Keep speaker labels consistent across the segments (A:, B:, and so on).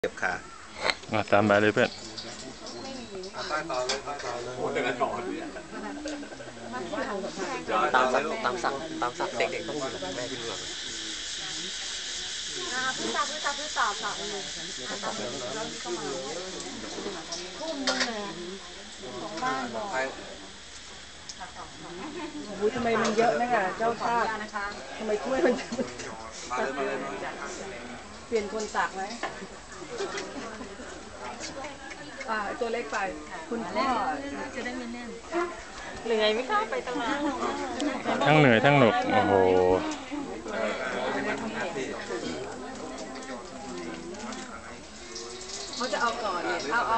A: เก็บขา
B: ตามไปเลยเพื่อน
A: ใต้ต่อเลยโอ้แต่ละนอนตามสักเด็กๆต้องอยู่แม่ที่เหลือ
C: พี่ตอบค่ะทุ่มนึงเลยของบ้านบอก
D: อุ้ยทำไมมันเยอะนะค่ะเจ้าชาติทำไมถ้วยมันเปลี่ยนคนตักไหมตัวเล็กไปคุณพ่อจะได้ไม่แน่นเหนื่อยไหมคะไปตลาด
B: ทั้งเหนื่อยทั้งหนุกโอ้โห
D: เขาจะเอาก่อนเอา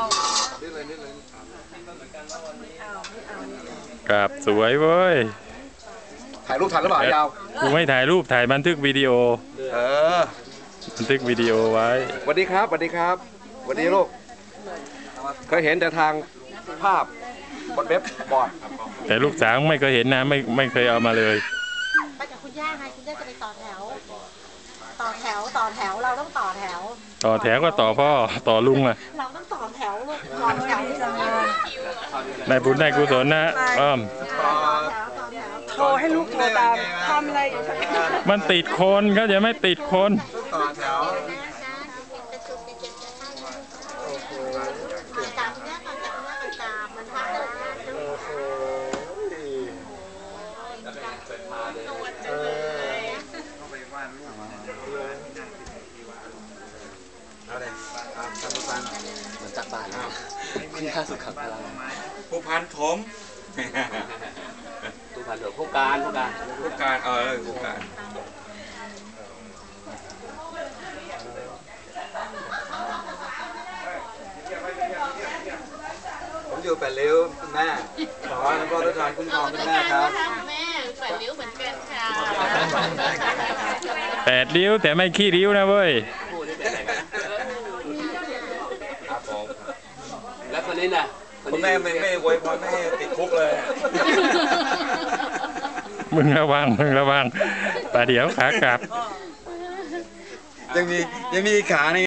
B: กราบสวยเว้ย
A: ถ่ายรูปทันหรือเปล่ายาว
B: กูไม่ถ่ายรูปถ่ายบันทึกวิดีโอบันทึกวิดีโอไว้
A: สวัสดีครับสวัสดีครับสวัสดีลูกเคยเห็นแต่ทางภาพบนเว็บบอร์ด
B: แต่ลูกสาวไม่เคยเห็นนะไม่เคยเอามาเลย
C: ไปกับคุณย่าไงคุณย่าจะไปต่อแถวเราต้องต่อแถว
B: ก็ต่อพ่อต่อลุงอ่ะ
C: เราต้องต่อแถวลูกต่อแถว
B: ได้บุญได้กุศลนะอ้อม
D: โทรให้ลูกโทรตามทำอะไร
B: มันติดคนเขาจะไม่ติดคน
A: ต่อแถว
E: เหมือนจักรบาลคุณย่าสุขภาพ
A: ผู้พันถม
E: ผู้พันเถอะผู้การผู้การ
A: ผู้การผมอยู่8 ริ้วคุณแม่ขอให้พ่อทุกท่านคุ้มครองคุณแม่ครับ
C: แม่8 ริ้วเหมือนกันค่ะ
B: 8 ริ้วแต่ไม่ขี้ริ้วนะเว้ย
E: แล้วคนนี้น่ะ
A: คุณแม่ไม่อวยพรไม่ให้ติดคุกเลย
B: มึงระวังแต่เดี๋ยวขากลับ
A: ยังมีขาใน